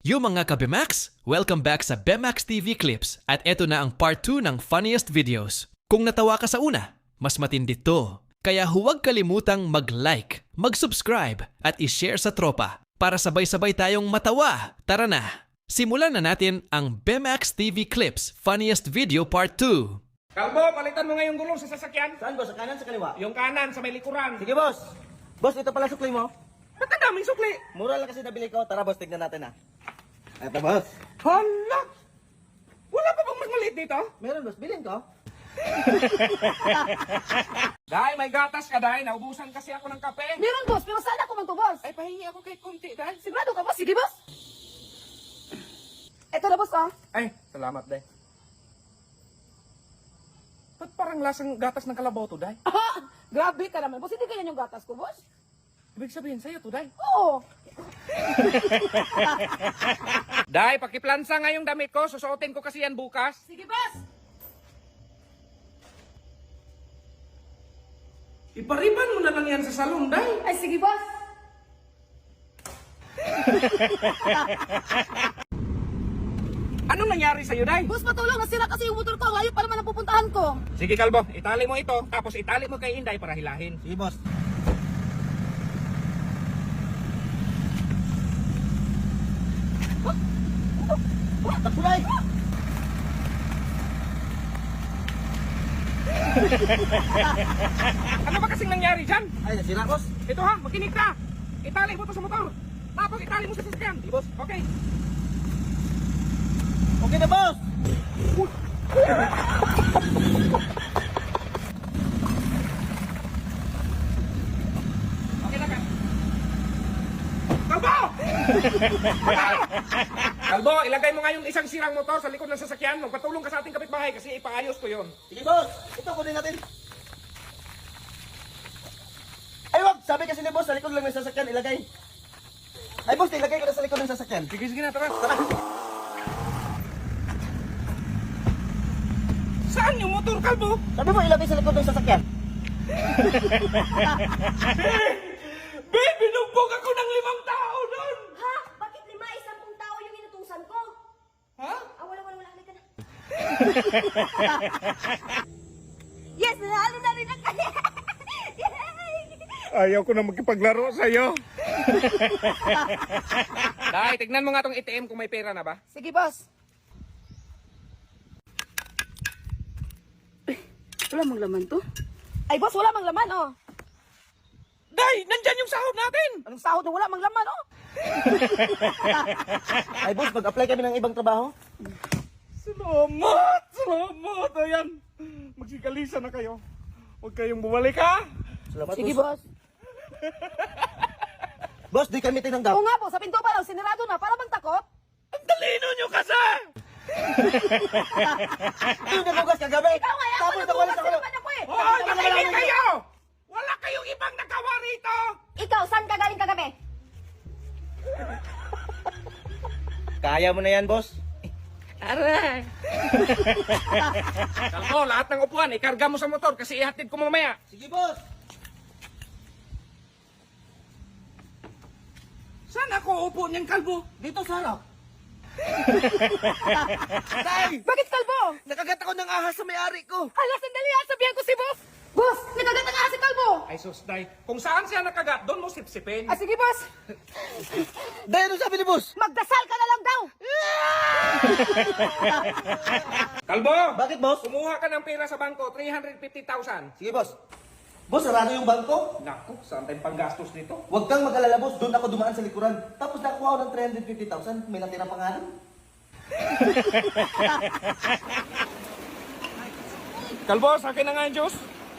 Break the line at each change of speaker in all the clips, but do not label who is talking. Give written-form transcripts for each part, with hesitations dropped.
Yo mga ka-Bemax! Welcome back sa Bemax TV Clips at eto na ang part 2 ng funniest videos. Kung natawa ka sa una, mas matindi to. Kaya huwag kalimutang mag-like, mag-subscribe at i-share sa tropa para sabay-sabay tayong matawa. Tara na! Simulan na natin ang Bemax TV Clips Funniest Video Part 2.
Kalbo, palitan mo nga yung gulong sa sasakyan.
Saan boss? Sa kanan, sa kaliwa?
Yung kanan sa may likuran.
Sige boss! Boss, ito pala sukli mo.
Ba't ang daming sukli?
Mura lang kasi nabili ko. Tara boss, tignan natin ah. Ito boss.
Hala! Wala pa bang mas maliit dito?
Meron boss, bilhin ko.
Day, may gatas ka, Day. Naubusan kasi ako ng kape.
Meron, boss. Pero saan ako man to, boss?
Ay, pahingi ako kay Kunti, Day.
Sigurado ka, boss? Sige, boss. Ito na, boss, ah.
Ay, salamat, Day. Ba't parang lasang gatas ng kalabaw to, Day?
Grabe ka naman, boss. Hindi ganyan yung gatas ko, boss.
Ibig sabihin sa'yo to, Day.
Oo.
Day, pakiplansa nga yung damit ko. Susuotin ko kasi yan bukas.
Sige, boss.
Ipariban mo na lang yan sa salon, Day.
Ay, sige, boss.
Anong nangyari sa'yo, Day?
Boss, matulong. Nasira kasi yung motor ko. Ayaw pa naman ang pupuntahan ko.
Sige, Kalbo. Itali mo ito. Tapos itali mo kay Inday para hilahin.
Sige boss. Taksulay!
Ano ba kasing nangyari dyan?
Ay, nasira boss.
Ito ha, makinig ka. Itali mo to sa motor. Tapos itali mo sa sasakyan.
Sige boss.
Okay.
Okay na boss!
Okay na ka. Kalbo! Kalbo, ilagay mo nga yung isang sirang motor sa likod ng sasakyan. Magpatulong ka sa ating kapitbahay kasi ipaayos ko yon.
Sige boss! Ito, kunin natin. Ay wag! Sabi kasi ni boss, sa likod lang ng sasakyan, ilagay. Ay boss, ilagay ko na sa likod ng sasakyan.
Sige, sige na, tara.
Tara!
Saan yung motor, Kalbo?
Sabi mo, ilagay sa likod ng sasakyan.
Babe, binugbog ako ng 5 tao doon!
Ha? Bakit 10 tao yung inutusan ko?
Ha?
Wala ka na. Yes, nanalo na rin ako.
Ayaw ko na magkipaglaro sa'yo. Dahil, tignan mo nga tong ATM kung may pera na ba?
Sige, boss. Wala mang laman to. Ay, boss, wala mang laman, oh.
Day, nandyan yung sahod natin!
Anong sahod na wala mang laman, oh?
Ay boss, mag-apply kami ng ibang trabaho.
Salamat! Salamat! Ayan, magsikalisa na kayo. Huwag kayong bumalik, ha?
Salamat
Sige,
boss.
boss.
Boss, di kami tinanggap.
Oo nga po, sa pinto pa lang, sinirado na. Para bang takot?
Ang talino nyo kasi!
Ito yung nagugas kagabi.
Ikaw nga, ako
Tapos
nagbukas
nakuha
naman ako eh.
Hoy, makinig kayo! Wala kayong ibang nagawa rito!
Ikaw, saan ka galing kagabi?
Kaya mo na yan, boss.
Aray.
Kalbo, lahat ng upuan, ikarga mo sa motor kasi ihatid ko mamaya.
Sige, boss.
Saan ako upo niyan, Kalbo?
Dito sa harap.
Bakit kalbo?
Nakagat ako ng ahas sa may-ari ko.
Hala, sandali ha, sabihan ko si boss. Boss, nagagat ang si kalbo.
Ay sus, Day. Kung saan siya nakagat, doon mo sipsipin.
Ah, sige boss.
Dahil ano sabi ni boss?
Magdasal ka na lang daw.
Kalbo!
Bakit, boss?
Kumuha ka ng pera sa bangko, 350,000.
Sige, boss. Boss, sarado yung bangko.
Naku, saan tayong panggastos dito?
Huwag kang mag-alala, boss. Doon ako dumaan sa likuran. Tapos nakuha ako ng 350,000. May natira pa nga rin.
Kalbo, sa akin na nga yung juice.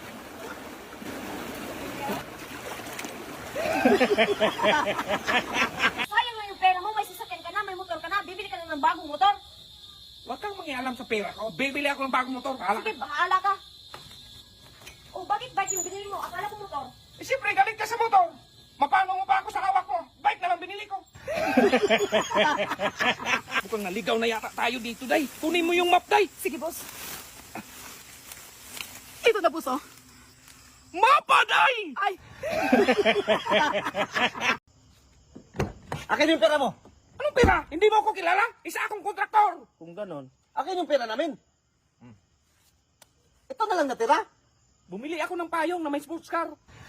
Sayang na yung pera mo, may sasakyan ka na, may motor ka na, bibili ka na ng bagong motor.
Huwag kang mangialam sa pera ko. Bibili ako ng bagong motor. Bahala
Sige,
ka.
bahala ka. Oh, bakit bike yung binili mo? Akala ko motor.
Eh, siyempre, galit ka sa motor. Mapano mo pa ako sa hawak ko? Bike na lang binili ko. Mukhang naligaw na yata tayo dito, Day. Kunin mo yung map, Day.
Sige, boss. Ito na, boss, oh.
Mapa, Day!
Ay,
Akin yung pera mo.
Anong pera? Hindi mo ako kilala? Isa akong kontraktor.
Kung ganon, akin yung pera namin. Ito na lang natira.
Bumili ako ng payong na may sports car.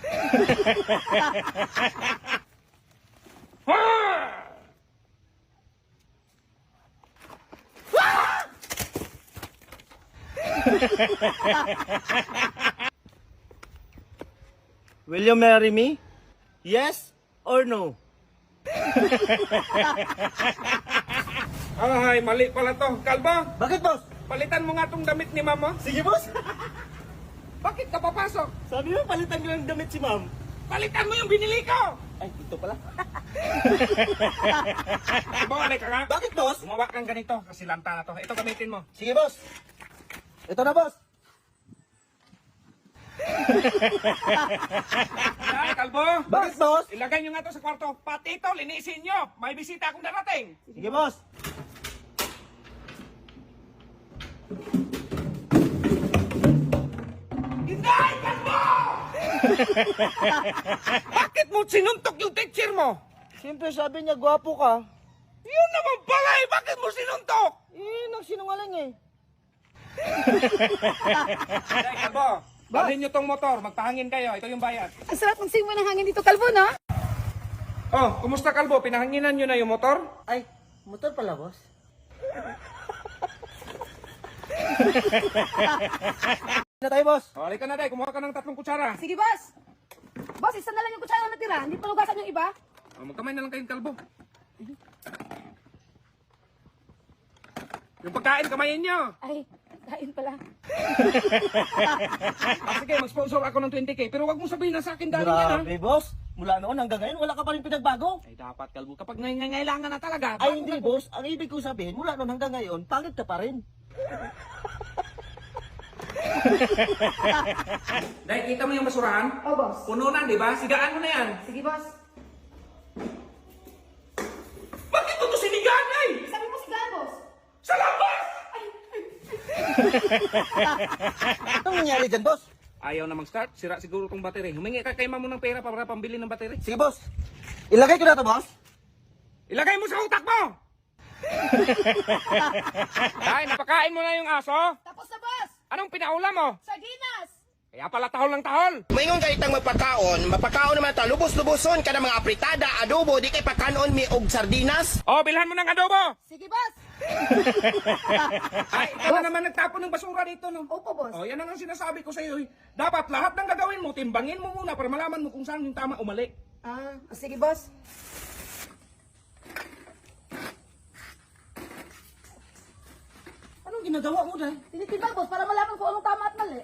Will you marry me? Yes or no?
Ay, mali pala to. Kalbo,
Bakit, boss?
palitan mo nga tong damit ni mama.
Sige, boss.
Bakit ka papasok?
Sabi mo, palitan ko ng damit si ma'am.
Palitan mo yung binili ko.
Ay, ito pala.
Bumalik ka nga.
Bakit, boss?
Gumawa kang ganito kasi lanta na to. Ito gamitin mo.
Sige, boss. Ito na, boss.
Ay, Kalbo.
Bakit, boss?
Ilagay nyo nga to sa kwarto. Pati ito, linisin nyo. May bisita akong darating.
Sige, boss.
Hindi, Kalbo! Bakit mo sinuntok yung teacher mo?
Siyempre, sabi niya, gwapo ka.
Yun naman pala eh. Bakit mo sinuntok?
Nagsinungaling eh.
Ay, Kalbo. Dalhin nyo tong motor. Magpahangin kayo. Ito yung bayad.
Ang sarap ng simoy ng hangin dito, Kalbo, no?
Oh, kumusta Kalbo? Pinahanginan nyo na yung motor?
Ay, motor pala, boss. Na tayo, boss.
O, halika na, Day. Kumuha ka ng 3 kutsara.
Sige, boss. Boss, isa na lang yung kutsara na natira. Hindi pa lugasan yung iba.
O, magkamay na lang kayong Kalbo. Yung pagkain, kamayin nyo.
Ay, kain pala.
Sige, mag-sponsor ako ng 20k. Pero wag mo sabihin na sa akin dahil yan, ha?
Grabe, boss. Mula noon hanggang ngayon, wala ka pa rin pinagbago.
Ay, dapat, Kalbo. Kapag nangangailangan na talaga.
Ay, hindi, boss. Ang ibig ko sabihin, mula noon hanggang ngayon, pangit ka pa rin.
Dahil kita mo yung basurahan?
Oh, boss.
Puno na, di ba? Sigaan mo na yan.
Sige, boss.
Bakit mo ito sinigaan, ay?
Sabi mo sigahan, boss.
Sa labas!
Anong nangyari dyan, boss?
Ayaw na mag-start. Sira siguro tong battery. Humingi ka kay mamo ng pera para pambili ng battery.
Sige, boss. Ilagay ko na to, boss.
Ilagay mo sa utak mo! Dahil napakain mo na yung aso.
Tapos na, boss.
Anong pinaulam mo?
Sardinas.
Kaya pala tahol ng tahol.
Maingon ka itang mapakaon naman ta lubos-luboson ka ng mga apritada, adobo, di kay pakanon mi og sardinas.
Oh, bilhan mo ng adobo.
Sige, boss.
Ay, ikaw na naman nagtapon ng basura dito, no?
Opo, boss.
Oh, yan ang sinasabi ko sa iyo. Dapat lahat ng gagawin mo, timbangin mo muna para malaman mo kung saan yung tama o mali.
Sige, boss.
Anong ginagawa mo dahil?
Tinitimbang, boss, para malaman kung anong tama at mali.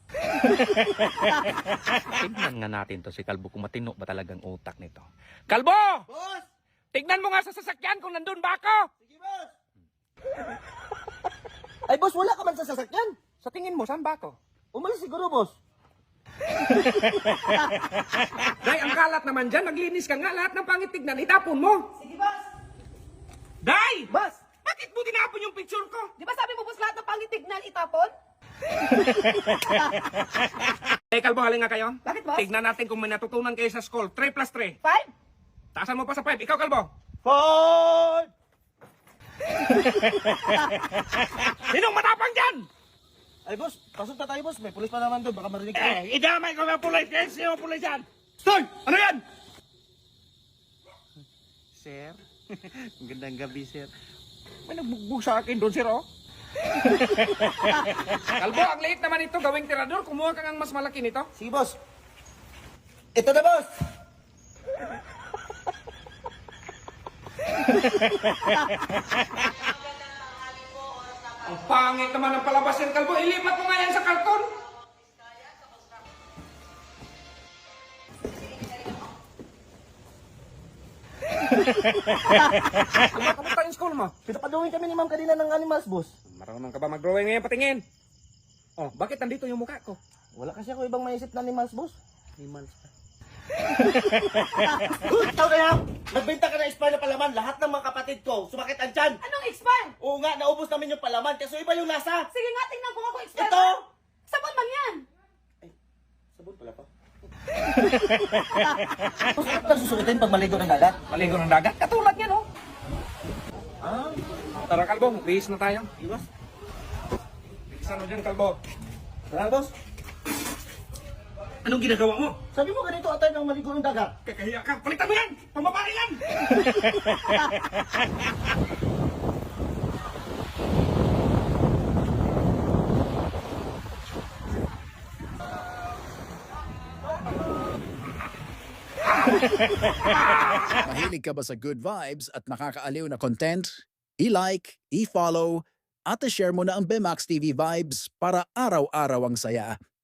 Tignan nga natin to si Kalbo kung matino ba talagang utak nito. Kalbo!
Boss!
Tignan mo nga sa sasakyan kung nandun ba ako.
Sige, boss. Ay, boss, wala ka man sa sasakyan.
Sa tingin mo, saan ba ako?
Umalis siguro, boss.
Day, ang kalat naman dyan. Naglinis ka nga. Lahat ng pangit tignan, itapon mo.
Sige, boss.
Day!
Boss!
Bakit mo tinapon yung picture ko?
Di ba sabi mo, boss, lahat ng pangitignan itapon?
Eh, Kalbo, halin nga kayo.
Bakit, boss?
Tignan natin kung may natutunan kayo sa school. 3 plus 3.
5?
Taasan mo pa sa 5. Ikaw, Kalbo.
Ford!
Sinong matapang dyan?
Ay, boss, pasok na tayo, boss. May pulis pa naman doon. Baka marinig ka.
Idamay ko ng pulis. Sino pulis yan? Stoy! Ano yan?
Sir? Magandang gabi, sir.
May nagbugbog sa akin doon, sir, oh. Kalbo, ang liit naman ito. Gawing tirador. Kumuha ka ng mas malaki nito.
Sige, boss. Ito na, boss.
Ang pangit naman ng palabas yan, Kalbo. Ilipat mo nga yan sa karton. Kamusta yung school mo?
Pinapaduhin kami ni ma'am kanina ng animals, boss.
Marunong ka ba mag-drawing ngayon? Patingin. Oh, bakit nandito yung mukha ko?
Wala kasi ako ibang maisip na animals, boss.
Animals pa.
Ikaw kaya, nagbenta ka ng expire na palaman. Lahat ng mga kapatid ko, sumakit ang tiyan.
Anong expire?
Oo nga, naubos namin yung palaman. Kaso iba yung lasa.
Sige nga, tingnan ko nga kung expire.
Ito!
Sabon man yan.
Sabon pala pa. Boss, ano ka susukitin pag maligo ng dagat?
Maligo ng dagat. Katulad yan, oh. Tara, Kalbo, bihis na tayo.
Boss.
Bihisan mo dyan, Kalbo.
Tara, boss.
Anong ginagawa mo?
Sabi mo ganito atay ng maligo ng dagat.
Kakahiya ka. Palitan mo yan! Pambabae yan!
Mahilig ka ba sa good vibes at nakakaaliw na content? I-like, i-follow, at i-share mo na ang Bemax TV Vibes para araw-araw ang saya.